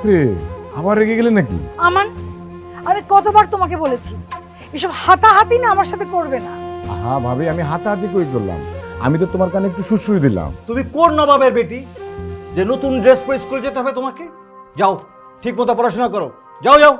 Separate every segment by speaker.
Speaker 1: রে, আবার রেগে গেলে নাকি?
Speaker 2: আমান, আমি কতবার তোমাকে বলেছি এসব হাতাহাতি না আমার সাথে করবে না।
Speaker 1: হ্যাঁ ভাবি, আমি হাতাহাতি কই করলাম? আমি তো তোমার কানে একটু সুশ্রুই দিলাম।
Speaker 3: তুমি কোন নবাবের বেটি যে নতুন ড্রেস পরে স্কুলে যেতে হবে তোমাকে? যাও, ঠিক মতো পড়াশোনা করো, যাও যাও।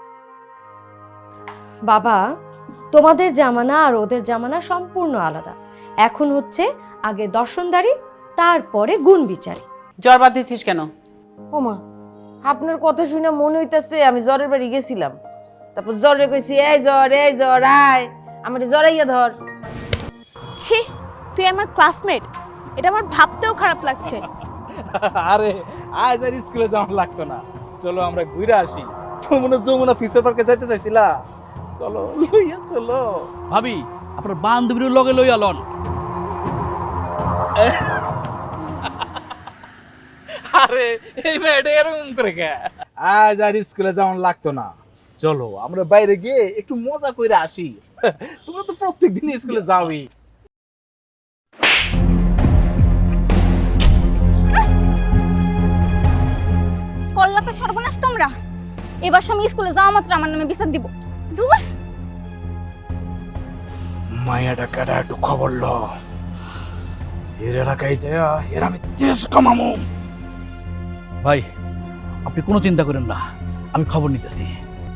Speaker 4: বাবা, তোমাদের জামানা আর ওদের জামানা সম্পূর্ণ আলাদা। এখন হচ্ছে আগে দর্শনদারি, তারপরে গুণ বিচারি।
Speaker 5: জ্বর বাদ দিচ্ছিস কেন?
Speaker 6: ওমা, আপনার কথা শুনে মনে হইতাছে আমি জ্বরের বাড়ি গেছিলাম। তারপর জ্বরে কইছি এই জ্বর আয়, আমার জ্বরাইয়া ধর।
Speaker 7: ছি, তুই আমার ক্লাসমেট, এটা আমার ভাবতেও খারাপ লাগছে।
Speaker 8: আরে আজ আর স্কুলে যাওয়া লাগতো না, চলো আমরা ঘুরে আসি। তোমরা যমুনা ফিশার পার্কে যাইতে চাইছিলা, চলো লইয়া চলো।
Speaker 9: ভাবি, আপনার বান্ধবীর লগে লইয়া লন।
Speaker 8: আরে এই মেয়েটা এরকম করে কে? আজ আর স্কুলে যাওয়া লাগতো না, চলো আমরা বাইরে গিয়ে একটু মজা করে আসি। তোমরা তো প্রত্যেকদিন স্কুলে যাওই।
Speaker 10: কল্লা তো সর্বনাশ তোমরা। এবার সময় স্কুলে যাওয়া মাত্র আমার নামে বিচার দিব। দূর।
Speaker 8: মায়াটা কাটা একটু খবর ল, এর এলাকায় যায় এর আমি তেজ কামামু।
Speaker 9: ভাই, আপনি কোনো চিন্তা করেন না, আমি খবর নিতেছি।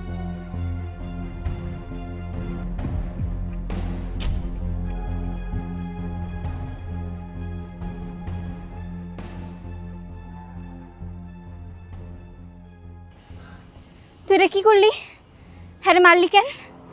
Speaker 10: তুই রে কি করলি? হ্যাঁ রে, মারলি কেন?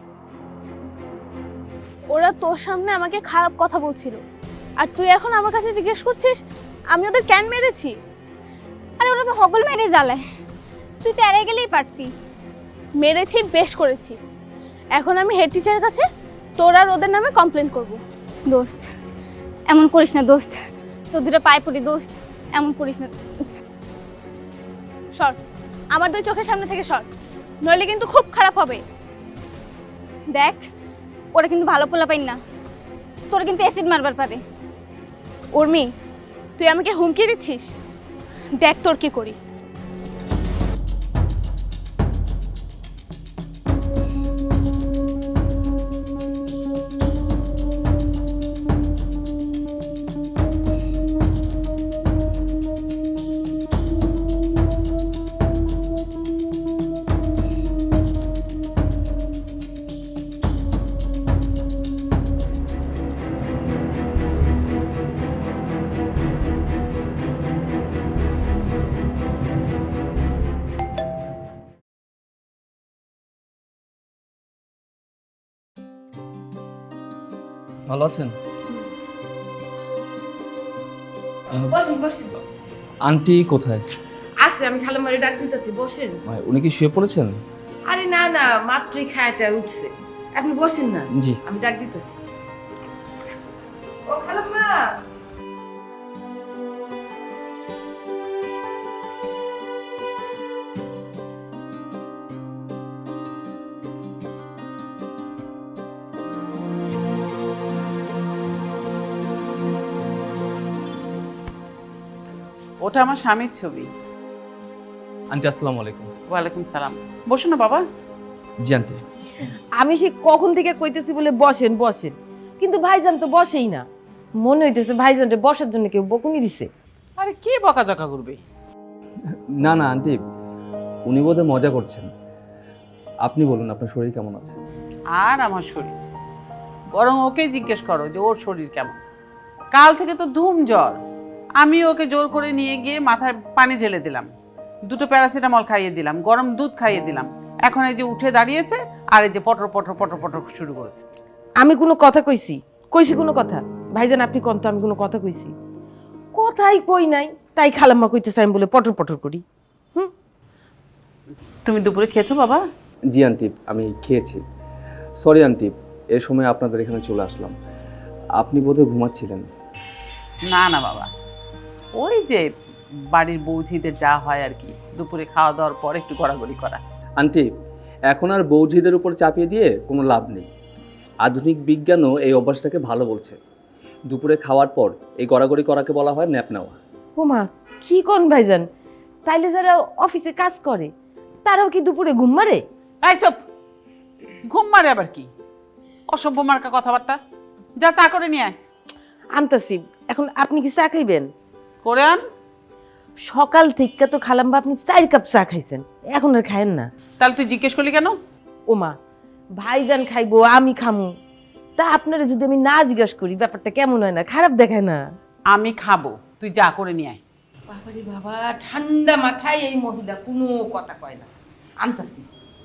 Speaker 7: ওরা তোর সামনে আমাকে খারাপ কথা বলছিল, আর তুই এখন আমার কাছে জিজ্ঞেস করছিস আমি ওদের কেন মেরেছি?
Speaker 10: আরে ওরা তো হগল মেরে জ্বালায়, তুই তো এড়িয়ে গেলেই পারতি।
Speaker 7: মেরেছি, বেশ করেছি। এখন আমি হেড টিচারের কাছে তোর আর ওদের নামে কমপ্লেন করব।
Speaker 10: দোস্ত, এমন করিস না দোস্ত, তোর দুটো পায়ে পড়ি দোস্ত, এমন করিস না।
Speaker 7: সর, আমার দুই চোখের সামনে থেকে সর, নইলে কিন্তু খুব খারাপ হবে।
Speaker 10: দেখ, ওরা কিন্তু ভালো পোলা পাই না, তোর কিন্তু অ্যাসিড মারবার পারে।
Speaker 7: উর্মি, তুই আমাকে হুমকি দিচ্ছিস? দেখ তোর কি করি।
Speaker 11: ভালো আছেন?
Speaker 6: বসেন বসেন।
Speaker 11: আন্টি কোথায়?
Speaker 6: আসে, আমি খালামারে ডাক দিতেছি, বসেন।
Speaker 11: উনি কি শুয়ে পড়েছেন?
Speaker 6: আরে না না, মাত্রই খায়াটা উঠছে, আপনি বসেন না।
Speaker 11: জি।
Speaker 6: আমি ডাক দিতেছি। ও খালাম্মা,
Speaker 5: ওটা আমার স্বামীর ছবি।
Speaker 11: আন্টি আসসালামু আলাইকুম।
Speaker 5: ওয়ালাইকুম সালাম। বসো না বাবা।
Speaker 11: জি আন্টি।
Speaker 6: আমি সে কখন থেকে কইতেছি বলে বসেন বসেন, কিন্তু ভাইজান তো বসেই না। মনে হইতেছে ভাইজানকে বসার জন্য কেউ বকুনি দিছে।
Speaker 5: আরে কে বকাঝকা করবে?
Speaker 11: না না আন্টি, উনি বোধহয় মজা করছেন। আপনি বলুন আপনার শরীর কেমন আছে?
Speaker 5: আর আমার শরীর, বরং ওকে জিজ্ঞেস করো যে ওর শরীর কেমন। কাল থেকে তো ধুম জ্বর, আমি ওকে জোর করে নিয়ে গিয়ে মাথায় পানি ঢেলে দিলাম, দুটো প্যারাসিটামল খাইয়ে দিলাম, গরম দুধ খাইয়ে দিলাম। এখন এই যে উঠে দাঁড়িয়েছে আর এই যে পটর পটর পটর পটর শুরু করেছে।
Speaker 6: আমি কোনো কথা কইছি? কইছি কোনো কথা? ভাইজান আপনি কোন তো আমি কোনো কথা কইছি? কথাই কই নাই, তাই খালাম্মা কইতেছে আমি বলে পটর পটর করি।
Speaker 5: তুমি দুপুরে খেয়েছো বাবা?
Speaker 11: জি আন্টি, আমি খেয়েছি। সরি আন্টি, এ সময় আপনাদের এখানে চলে আসলাম। আপনি বোধহয় ঘুমাচ্ছিলেন।
Speaker 5: না না বাবা, ওই যে বাড়ির বৌঝিদের যা হয় আর কি, দুপুরে খাওয়া দাওয়ার পর একটু গড়াগড়ি করা।
Speaker 11: আন্টি, এখন আর বৌঝিদের উপর চাপিয়ে দিয়ে কোনো লাভ নেই। আধুনিক বিজ্ঞানও এই অভ্যাসটাকে ভালো বলছে। দুপুরে খাওয়ার পর এই গড়াগড়ি করাকে বলা হয় ন্যাপ নেওয়া।
Speaker 6: ও মা, কি কোন ভাইজান? তাইলে যারা অফিসে কাজ করে তারাও কি দুপুরে ঘুম মারে?
Speaker 5: এই চুপ, ঘুম মারে আবার কি? অসভ্য মার্কা কথাবার্তা। যা চা করে নিয়ে আয়।
Speaker 6: আনতাছি। এখন আপনি কি চা খাইবেন?
Speaker 5: করে আন।
Speaker 6: সকাল থেকে তো খালাম্বা আপনি 4 কাপ চা খাইছেন, এখন আর খায়েন না।
Speaker 5: তাহলে তুই জিজ্ঞেস করলি কেন?
Speaker 6: ওমা, ভাইজান খাইবো আমি খামু, তা আপনারা যদি আমি না জিজ্ঞেস করি ব্যাপারটা কেমন হয় না, খারাপ দেখায় না?
Speaker 5: আমি খাবো, তুই যা করে নিয়ে আয়।
Speaker 6: বাবারে বাবা, ঠান্ডা মাথায় এই মহিলা কোনো কথা কয় না। আনতাছি।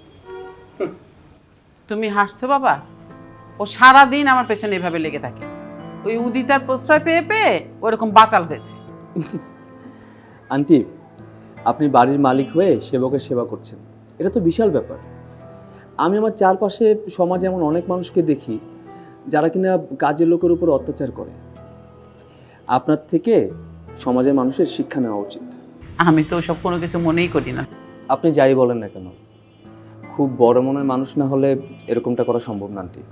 Speaker 5: তুমি হাসছো বাবা? ও সারাদিন আমার পেছনে এভাবে লেগে থাকে। ওই উদিতার প্রশ্রয় পেয়ে পেয়ে ওরকম বাচাল হয়েছে।
Speaker 11: আন্টি, আপনি বাড়ির মালিক হয়ে সেবকের সেবা করছেন, এটা তো বিশাল ব্যাপার। আমি আমার চারপাশে সমাজে এমন অনেক মানুষকে দেখি যারা কিনা কাজের লোকের উপর অত্যাচার করে। আপনার থেকে সমাজের মানুষের শিক্ষা নেওয়া উচিত।
Speaker 5: আমি তো ওসব কোনো কিছু মনেই করি না।
Speaker 11: আপনি যাই বলেন না কেন, খুব বড় মনের মানুষ না হলে এরকমটা করা সম্ভব না আন্টি।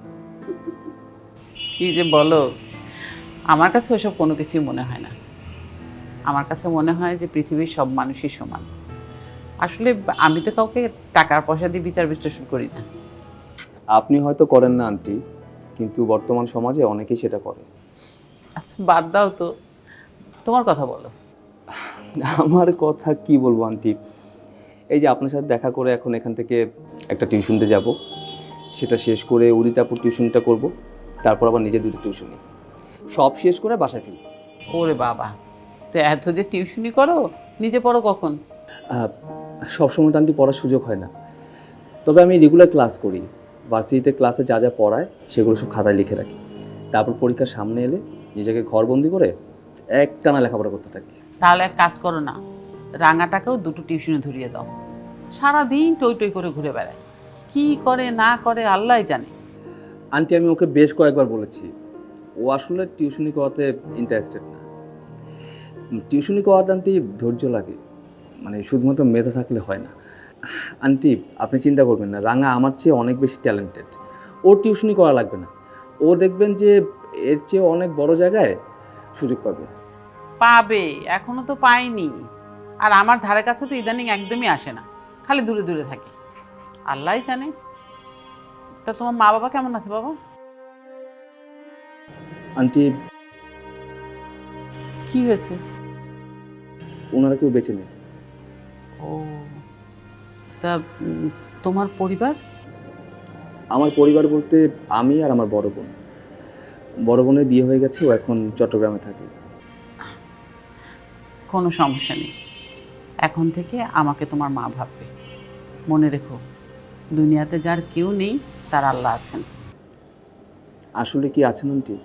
Speaker 5: কি যে বলো, আমার কাছে ওসব কোনো কিছুই মনে হয় না। আমার কাছে মনে হয় যে পৃথিবীর সব মানুষই সমান। আসলে আমি তো কাউকে টাকার পয়সা দিয়ে বিচার বিশ্লেষণ করি না।
Speaker 11: আপনি হয়তো করেন না আন্টি, কিন্তু বর্তমান সমাজে অনেকেই সেটা করে।
Speaker 5: আচ্ছা বাদ দাও তো, তোমার কথা বলো।
Speaker 11: আমার কথা কি বলবো আন্টি, এই যে আপনার সাথে দেখা করে এখন এখান থেকে একটা টিউশনতে যাব, সেটা শেষ করে উদিতাপুর টিউশনটা করব, তারপর আবার নিজে দুটো টিউশনি, সব শেষ করে বাসায় ফিরব।
Speaker 5: ওরে বাবা, তো এত যে টিউশনি করো, নিজে পড়ো কখন?
Speaker 11: সবসময় তো আন্টি পড়ার সুযোগ হয় না, তবে আমি রেগুলার ক্লাস করি। ভার্সিটিতে ক্লাসে যা যা পড়ায় সেগুলো সব খাতায় লিখে রাখি, তারপর পরীক্ষার সামনে এলে নিজেকে ঘরবন্দি করে একটানা লেখাপড়া করতে থাকি।
Speaker 5: তাহলে এক কাজ করো না, রাঙাটাকেও দুটো টিউশনে ধরিয়ে দাও। সারাদিন টই টই করে ঘুরে বেড়ায়, কি করে না করে আল্লাহই জানে।
Speaker 11: আন্টি, আমি ওকে বেশ কয়েকবার বলেছি, ও আসলে টিউশনি করাতে ইন্টারেস্টেড না। টিউশনি করাতে আন্টি ধৈর্য লাগে, মানে শুধুমাত্র মেধা থাকলে হয় না। আন্টি, আপনি চিন্তা করবেন না, রাঙা আমার চেয়ে অনেক বেশি ট্যালেন্টেড, ওর টিউশনি করা লাগবে না। ও দেখবেন যে এর চেয়ে অনেক বড় জায়গায় সুযোগ পাবে।
Speaker 5: পাবে, এখনো তো পাইনি। আর আমার ধারে কাছে তো ইদানিং একদমই আসে না, খালি দূরে দূরে থাকে। আল্লাহই জানে। তা তোমার মা বাবা কেমন আছে বাবা?
Speaker 11: আন্টি,
Speaker 5: কি হয়েছে?
Speaker 11: ওনারা কেউ বেঁচে নেই।
Speaker 5: ও, তা তোমার পরিবার?
Speaker 11: আমার পরিবার বলতে আমি আর আমার বড় বোন। বড় বোনের বিয়ে হয়ে গেছে, ও এখন চট্টগ্রামে থাকে।
Speaker 5: কোনো সমস্যা নেই, এখন থেকে আমাকে তোমার মা ভাববে। মনে রেখো, দুনিয়াতে যার কেউ নেই তার আল্লাহ আছেন।
Speaker 11: আসলে কি আছেন আন্টি?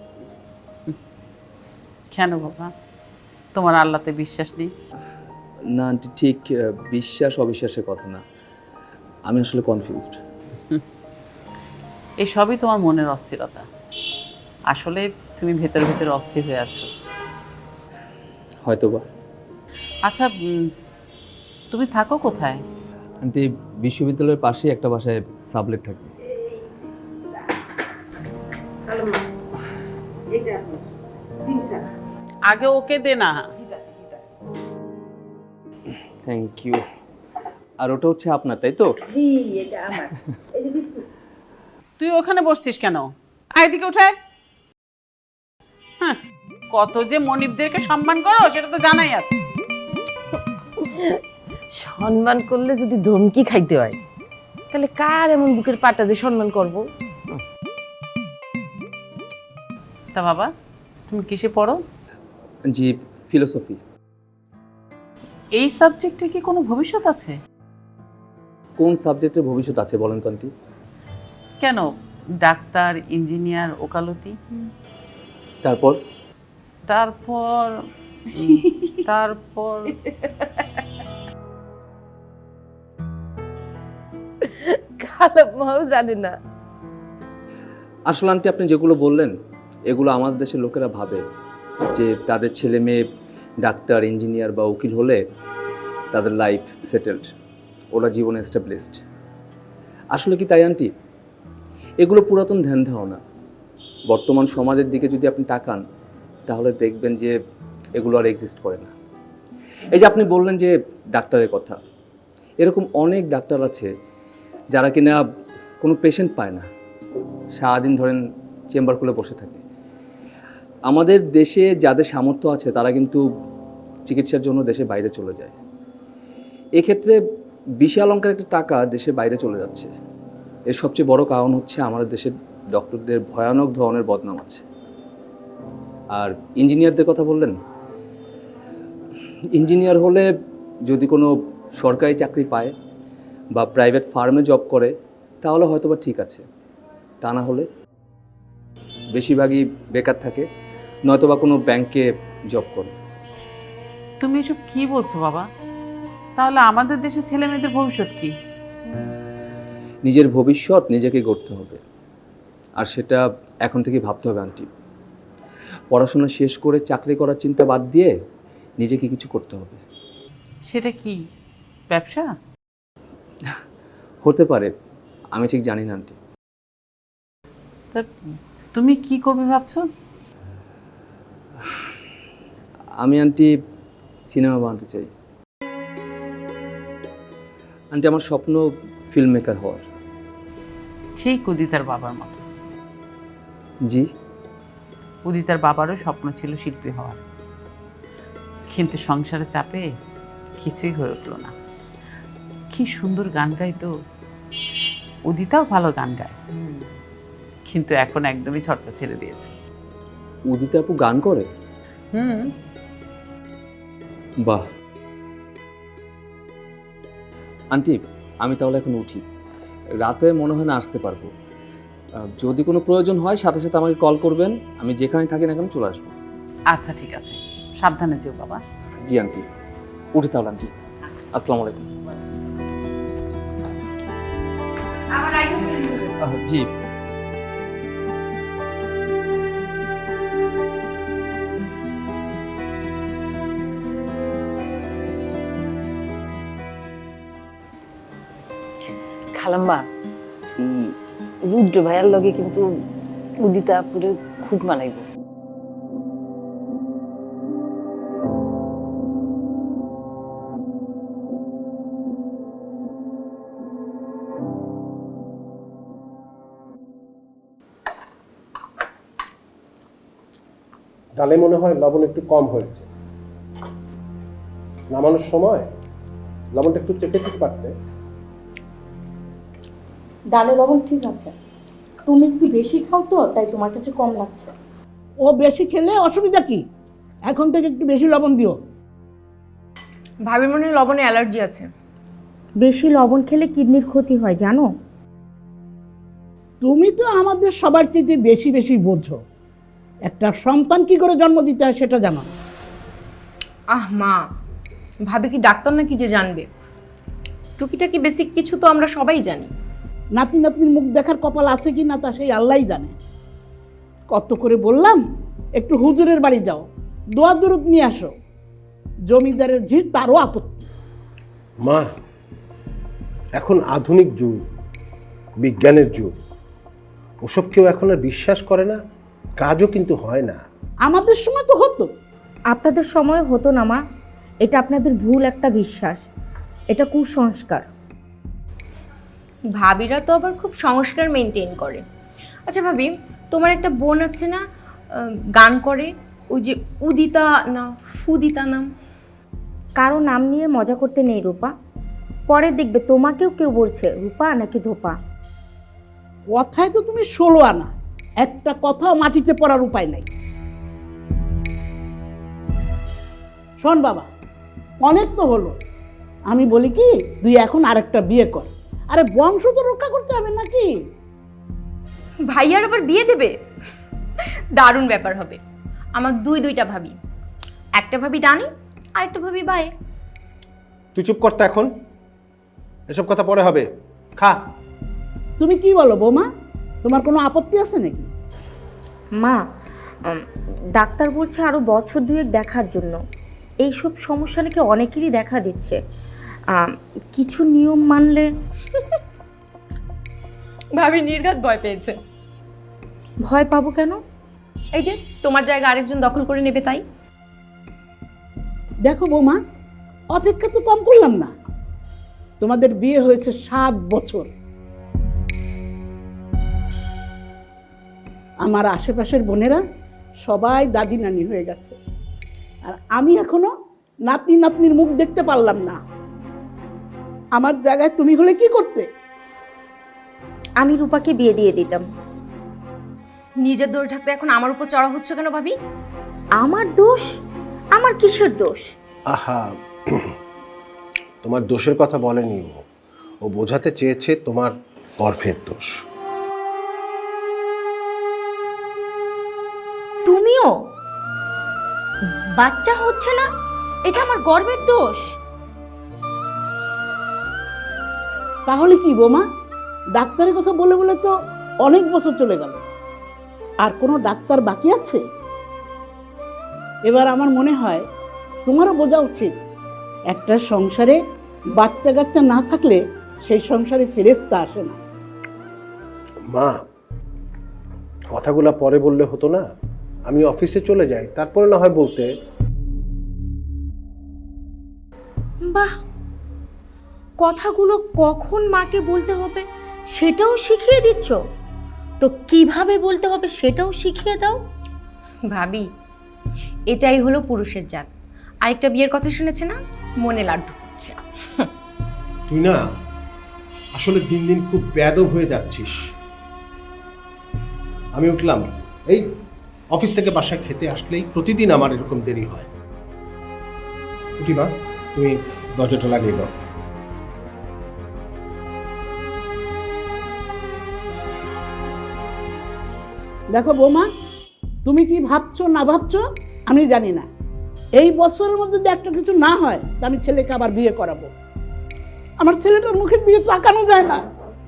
Speaker 5: কেন বাবা, তোমার আল্লাহতে বিশ্বাস নেই?
Speaker 11: না আন্টি, ঠিক বিশ্বাস অবিশ্বাসের কথা না, আমি আসলে কনফিউজড।
Speaker 5: এই সবই তোমার মনের অস্থিরতা। আসলে তুমি ভেতরে ভেতরে অস্থির হয়ে আছো
Speaker 11: হয়তোবা।
Speaker 5: আচ্ছা, তুমি থাকো কোথায়?
Speaker 11: আন্টি, বিশ্ববিদ্যালয়ের পাশেই একটা বাসায় সাবলেট থাকে।
Speaker 5: আগে ওকে দে না।
Speaker 11: Thank you. আর ওটা হচ্ছে আপনার, তাই তো?
Speaker 5: তুই ওখানে বসছিস কেন? আয় এদিকে উঠায়। হ্যাঁ, কত যে মনিবদেরকে সম্মান করো সেটা তো জানাই আছে।
Speaker 6: সম্মান করলে যদি ধমকি খাইতে হয়, তাহলে কার এমন বুকের পাটা যে সম্মান করব?
Speaker 5: তা বাবা, তুমি কিসে পড়ো?
Speaker 11: জি, ফিলোসফি।
Speaker 5: এই সাবজেক্টে কি কোনো ভবিষ্যৎ আছে?
Speaker 11: কোন সাবজেক্টে ভবিষ্যৎ আছে বলেন তো আন্টি?
Speaker 5: কেন, ডাক্তার, ইঞ্জিনিয়ার, ওকালতি।
Speaker 11: তারপর
Speaker 5: তারপর তারপর
Speaker 6: খালাম্মাও জানে না।
Speaker 11: আসলে আন্টি, আপনি যেগুলো বললেন এগুলো আমাদের দেশের লোকেরা ভাবে যে তাদের ছেলে মেয়ে ডাক্তার, ইঞ্জিনিয়ার বা উকিল হলে তাদের লাইফ সেটেলড, ওরা জীবনে এস্টাবলিশড। আসলে কি তাই আন্টি? এগুলো পুরাতন ধ্যান ধারণা। বর্তমান সমাজের দিকে যদি আপনি তাকান তাহলে দেখবেন যে এগুলো আর এক্সিস্ট করে না। এই যে আপনি বললেন যে ডাক্তারের কথা, এরকম অনেক ডাক্তার আছে যারা কিনা কোনো পেশেন্ট পায় না, সারাদিন ধরেন চেম্বার খুলে বসে থাকে। আমাদের দেশে যাদের সামর্থ্য আছে তারা কিন্তু চিকিৎসার জন্য দেশের বাইরে চলে যায়। এক্ষেত্রে বিশাল অঙ্কের একটা টাকা দেশের বাইরে চলে যাচ্ছে। এর সবচেয়ে বড় কারণ হচ্ছে আমাদের দেশের ডক্টরদের ভয়ানক ধরনের বদনাম আছে। আর ইঞ্জিনিয়ারদের কথা বললেন, ইঞ্জিনিয়ার হলে যদি কোনো সরকারি চাকরি পায় বা প্রাইভেট ফার্মে জব করে তাহলে হয়তো বা ঠিক আছে, তা না হলে বেশিরভাগই বেকার থাকে, নয়তো বা কোনো ব্যাংকে জব করে।
Speaker 5: তুমি এসব কি বলছো বাবা? তাহলে আমাদের দেশের ছেলে মেয়েদের ভবিষ্যৎ কি?
Speaker 11: নিজের ভবিষ্যৎ নিজেকে গড়তে হবে, আর সেটা এখন থেকে ভাবতে হবে আন্টি। পড়াশোনা শেষ করে চাকরি করার চিন্তা বাদ দিয়ে নিজেকে কিছু করতে হবে।
Speaker 5: সেটা কি, ব্যবসা?
Speaker 11: হতে পারে, আমি ঠিক জানি না আন্টি।
Speaker 5: তা তুমি কি করবে ভাবছো?
Speaker 11: আমি আন্টি সিনেমা বানাতে চাই। আন্টি আমার স্বপ্ন ফিল্ম মেকার হওয়ার।
Speaker 5: সেই উদিতার বাবার মতো।
Speaker 11: জি,
Speaker 5: উদিতার বাবারও স্বপ্ন ছিল শিল্পী হওয়ার, কিন্তু সংসারের চাপে কিছুই হয়ে উঠলো না। কি সুন্দর গান গাইতো, উদিতাও ভালো গান গায়, কিন্তু এখন একদমই চর্চা ছেড়ে দিয়েছে।
Speaker 11: উদিতা আপু গান করে? বাহ। আন্টি আমি তাহলে এখন উঠি, রাতে মনে হয় না আসতে পারবো। যদি কোনো প্রয়োজন হয় সাথে সাথে আমাকে কল করবেন, আমি যেখানে থাকি না কেন চলে আসবো।
Speaker 5: আচ্ছা ঠিক আছে, সাবধানে যেও বাবা।
Speaker 11: জি আন্টি, উঠি তাহলে আন্টি। আসসালামু আলাইকুম। জি।
Speaker 6: খালাম্মা, রুদ্র ভাইয়ার লগে কিন্তু উদিতা পুরো খুব মানাইব।
Speaker 12: ডালে মনে হয় লবণ একটু কম হয়েছে, নামানোর সময় লবণটা একটু চেপে দিতে পারতে।
Speaker 13: ডালে লবণ ঠিক আছে, তুমি একটু বেশি খাও তো তাই তোমার কাছে কম লাগছে।
Speaker 14: ও বেশি খেলে অসুবিধা কি? এখন থেকে একটু বেশি লবণ দিও।
Speaker 6: ভাবির মনে হয় লবণে অ্যালার্জি আছে।
Speaker 13: বেশি লবণ খেলে কিডনির ক্ষতি হয় জানো?
Speaker 14: তুমি তো আমাদের সবার চেয়ে বেশি বেশি বোঝো। একটা সন্তান কি করে জন্ম দিতে হয় সেটা জানো।
Speaker 6: আহ মা, ভাবি কি ডাক্তার নাকি যে জানবে? টুকিটাকি বেসিক কিছু তো আমরা সবাই জানি।
Speaker 14: নাতি নাতনির মুখ দেখার কপাল আছে কি না তা সেই আল্লাহই জানে। কত করে বললাম একটু হুজুরের বাড়ি যাও, দোয়া দরুদ নিয়ে আসো। জমিদারের ঝির তারও আপত্তি।
Speaker 12: মা, এখন আধুনিক যুগ, বিজ্ঞানের যুগ, ওসব কেউ এখন আর বিশ্বাস করে না, কাজও কিন্তু হয় না।
Speaker 14: আমাদের সময় তো হতো।
Speaker 13: আপনাদের সময় হতো না মা, এটা আপনাদের ভুল একটা বিশ্বাস, এটা কুসংস্কার।
Speaker 4: ভাবিরা তো আবার খুব সংস্কার মেনটেন করে। আচ্ছা ভাবি, তোমার একটা বোন আছে না গান করে, ওই যে উদিতা না ফুদিতা নাম?
Speaker 13: কারো নাম নিয়ে মজা করতে নেই রূপা, পরে দেখবে তোমাকেও কেউ বলছে রূপা নাকি ধোপা।
Speaker 14: কথায় তো তুমি 16 আনা, একটা কথাও মাটিতে পড়ার উপায় নাই। শোন বাবা, অনেক তো হলো, আমি বলি কি তুই এখন আরেকটা বিয়ে কর। আরে বংশ তো রক্ষা করতে হবে নাকি?
Speaker 4: ভাইয়ার আবার বিয়ে দেবে? দারুণ ব্যাপার হবে। আমার দুইটা ভাবি, একটা ভাবি ডানে আর একটা ভাবি বায়ে।
Speaker 12: তুই চুপ করতে, এখন এসব কথা পরে হবে, খা।
Speaker 14: তুমি কি বলো বৌমা, তোমার কোনো আপত্তি আছে নাকি?
Speaker 13: মা, ডাক্তার বলছে আরো বছর 2 দেখার জন্য। এইসব সমস্যা নাকি অনেকেরই দেখা দিচ্ছে, কিছু নিয়ম মানলে।
Speaker 4: ভাবি নির্ঘাত ভয় পেয়েছে।
Speaker 13: ভয় পাবো কেন?
Speaker 4: এই যে তোমার জায়গা আরেকজন দখল করে নেবে তাই।
Speaker 14: দেখো বৌমা, অপেক্ষা তো কম করলাম না। তোমাদের বিয়ে হয়েছে 7 বছর। আমার আশেপাশের বোনেরা সবাই দাদি নানি হয়ে গেছে, আর আমি এখনো নাতি নাতনির মুখ দেখতে পারলাম না। আমার জায়গায় তুমি হলে কি করতে?
Speaker 13: আমি রূপাকে বিয়ে দিয়ে দিতাম।
Speaker 4: নিজের দোষ ঢাকতে এখন আমার উপর চড়া হচ্ছে কেন ভাবি?
Speaker 13: আমার দোষ? আমার কিসের দোষ?
Speaker 12: আহা, তোমার দোষের কথা বলেনি ও বোঝাতে চেয়েছে তোমার গর্ভের দোষ।
Speaker 13: তুমিও? বাচ্চা হচ্ছে না, এটা আমার গর্বের দোষ?
Speaker 14: তাহলে কি বোমা, ডাক্তারের কথা বলে বলে তো অনেক বছর চলে গেল, আর কোনো ডাক্তার বাকি আছে? এবার আমার মনে হয় তোমারও বোঝা উচিত, একটা সংসারে বাচ্চা কাচ্চা না থাকলে সেই সংসারে ফেরেশতা আসে না।
Speaker 12: মা, কথাগুলো পরে বললে হতো না? আমি অফিসে চলে যাই, তারপরে না হয় বলতে।
Speaker 13: বাহ, কথাগুলো কখন মাকে বলতে হবে সেটাও শিখিয়ে দিচ্ছ, তো কিভাবে বলতে হবে সেটাও শিখিয়ে দাও।
Speaker 4: ভাবি, এটাই হলো পুরুষের জাত। আরেকটা বিয়ের কথা শুনেছে না, মনে লাড্ডু ফুটছে।
Speaker 12: তুই না আসলে দিন দিন খুব বেয়াদব হয়ে যাচ্ছিস। আমি উঠলাম, এই অফিস থেকে বাসায় খেতে আসলেই প্রতিদিন আমার এরকম দেরি হয়। উঠি মা, তুমি দরজাটা লাগিয়ে দাও।
Speaker 14: দেখো বৌমা, তুমি কি ভাবছো না ভাবছো আমি জানি না, এই বছরের মধ্যে যদি একটা কিছু না হয় তা আমি ছেলেকে আবার বিয়ে করাবো। আমার ছেলেটার মুখের দিকে তাকানো যায় না।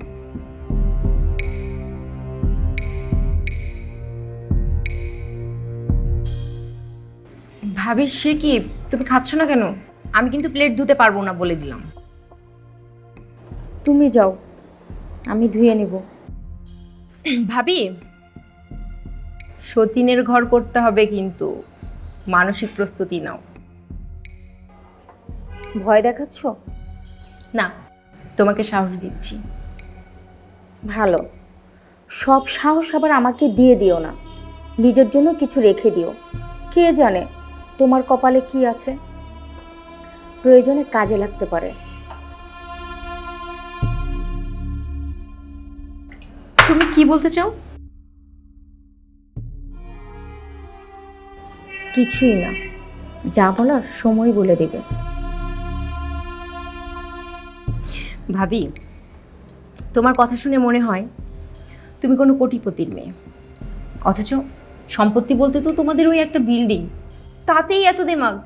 Speaker 4: ভাবি, সে কি, তুমি খাচ্ছ না কেন? আমি কিন্তু প্লেট ধুতে পারবো না বলে দিলাম।
Speaker 13: তুমি যাও, আমি ধুয়ে নিব।
Speaker 4: ভাবি, সতীনের ঘর করতে হবে, কিন্তু মানসিক প্রস্তুতি নাও।
Speaker 13: ভয় দেখাচ্ছ?
Speaker 4: না, তোমাকে সাহস দিচ্ছি।
Speaker 13: ভালো, সব সাহস আবার আমাকে দিয়ে দিও না, নিজের জন্য কিছু রেখে দিও। কে জানে তোমার কপালে কি আছে, প্রয়োজনে কাজে লাগতে পারে।
Speaker 4: তুমি কি বলতে চাও?
Speaker 13: কিছুই না, যা বলার সময় বলে দেবে।
Speaker 4: ভাবি, তোমার কথা শুনে মনে হয় তুমি কোনো কোটিপতির মেয়ে, অথচ সম্পত্তি বলতে তো তোমাদের ওই একটা বিল্ডিং, তাতেই এত দিমাগ।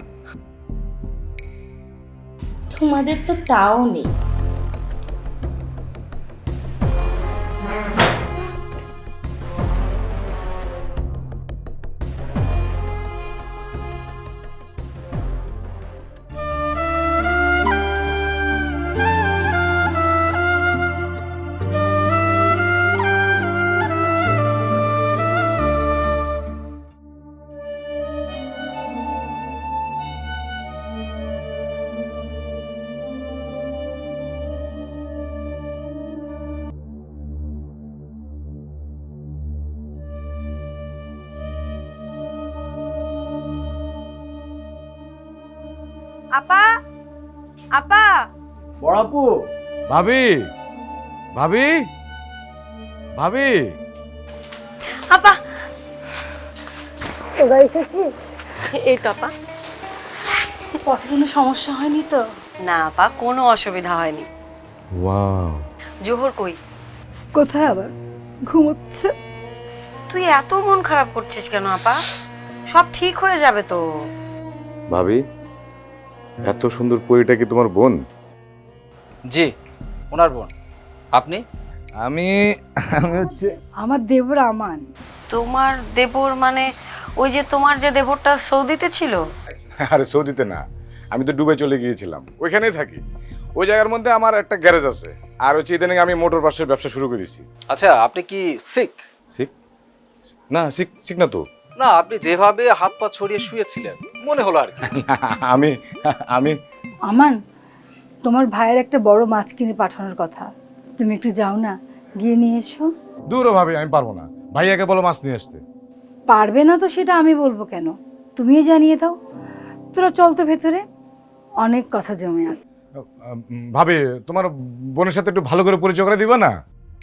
Speaker 13: তোমাদের তো তাও নেই।
Speaker 6: আপা, আপা,
Speaker 1: বড়াপু, ভাবি, ভাবি, ভাবি,
Speaker 6: আপা, তোরা এসেছিস? এই তো আপা।
Speaker 2: পথে কোনো সমস্যা হয়নি তো?
Speaker 6: না আপা, কোনো অসুবিধা হয়নি।
Speaker 1: ওয়াও,
Speaker 6: জোহর কই?
Speaker 2: কোথায় আবার? ঘুমোচ্ছে।
Speaker 6: তুই এত মন খারাপ করছিস কেন আপা? সব ঠিক হয়ে যাবে তো।
Speaker 1: ভাবি, এত সুন্দর পরীটা কি তোমার বোন?
Speaker 8: জি, ওনার বোন। আপনি?
Speaker 1: আমি হচ্ছে
Speaker 2: আমার দেবর আমান।
Speaker 6: তোমার দেবর মানে ওই যে তোমার যে দেবরটা সৌদিতে ছিল?
Speaker 1: আরে সৌদিতে না, আমি তো দুবাই চলে গিয়েছিলাম, ওইখানেই থাকি। ওই জায়গার মধ্যে আমার একটা গ্যারেজ আছে, আর হচ্ছে ইদানিং আমি মোটর বাসের ব্যবসা শুরু করে দিয়েছি।
Speaker 8: আচ্ছা, আপনি কি সিক?
Speaker 1: শিখ না, শিখ শিখ না তো।
Speaker 8: না, আপনি যেভাবে হাত পা ছড়িয়ে শুয়েছিলেন মনে হলো আর কি।
Speaker 1: আমি আমি
Speaker 2: আমান, তোমার ভাইয়ের একটা বড় মাছ কিনে পাঠানোর কথা, তুমি একটু যাও না, গিয়ে নিয়ে এসো।
Speaker 1: দূরও ভাবি, আমি পারবো না। ভাইয়াকে বলো মাছ নিয়ে আসতে।
Speaker 2: পারবে না তো সেটা আমি বলবো কেন, তুমিই জানিয়ে দাও। তোরা চল তো ভেতরে, অনেক কথা জমে আছে।
Speaker 1: ভাবি, তোমার বোনের সাথে একটু ভালো করে পরিচয় করে দিবা না?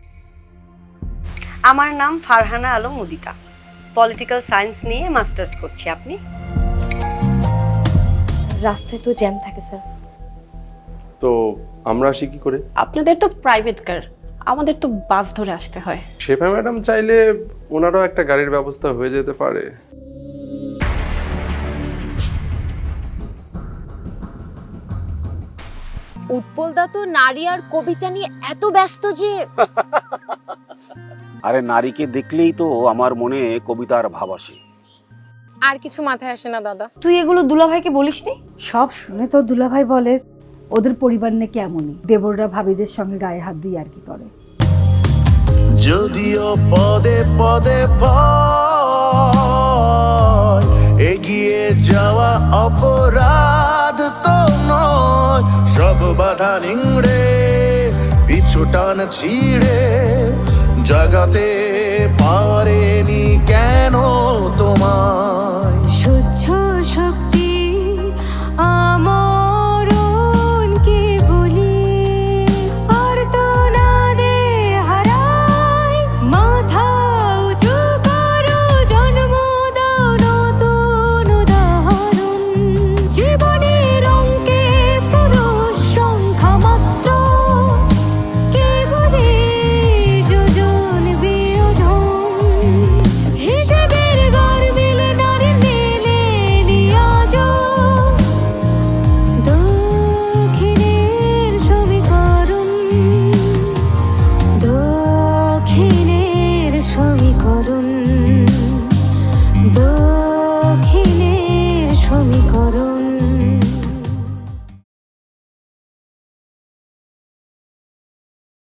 Speaker 15: আমার নাম ফারহানা আলম মুদিতা, পলিটিক্যাল সায়েন্স নিয়ে মাস্টার্স করছি। আপনি?
Speaker 16: রাস্তায় তো জ্যাম থাকে স্যার।
Speaker 17: তো আমরা আসি কি করে?
Speaker 16: আপনাদের তো প্রাইভেট কার, আমাদের তো বাস ধরে আসতে হয়।
Speaker 17: শেফা ম্যাডাম চাইলে ওনারও একটা গাড়ির ব্যবস্থা হয়ে যেতে পারে।
Speaker 4: উৎপলদা তো নারী আর কবিতা নিয়ে এত ব্যস্ত যে
Speaker 18: আরে নারীকে দেখলেই তো আমার মনে কবিতার ভাব আসে।
Speaker 16: আর কিছু মাথায় আসে না দাদা।
Speaker 15: তুই এগুলো দুলাভাইকে বলিসনি?
Speaker 2: সব শুনে তো দুলাভাই বলে ওদের পরিবার নাকি এমনই, দেবররা ভাবিদের সঙ্গে গায়ে হাত দিয়ে আর কি করে।
Speaker 19: যদিও পদে পদে ভয়, এগিয়ে যাওয়া অপরাধ তো নয়, সব বাধা নিংড়ে পিছু টান ছিঁড়ে জাগাতে পারেনি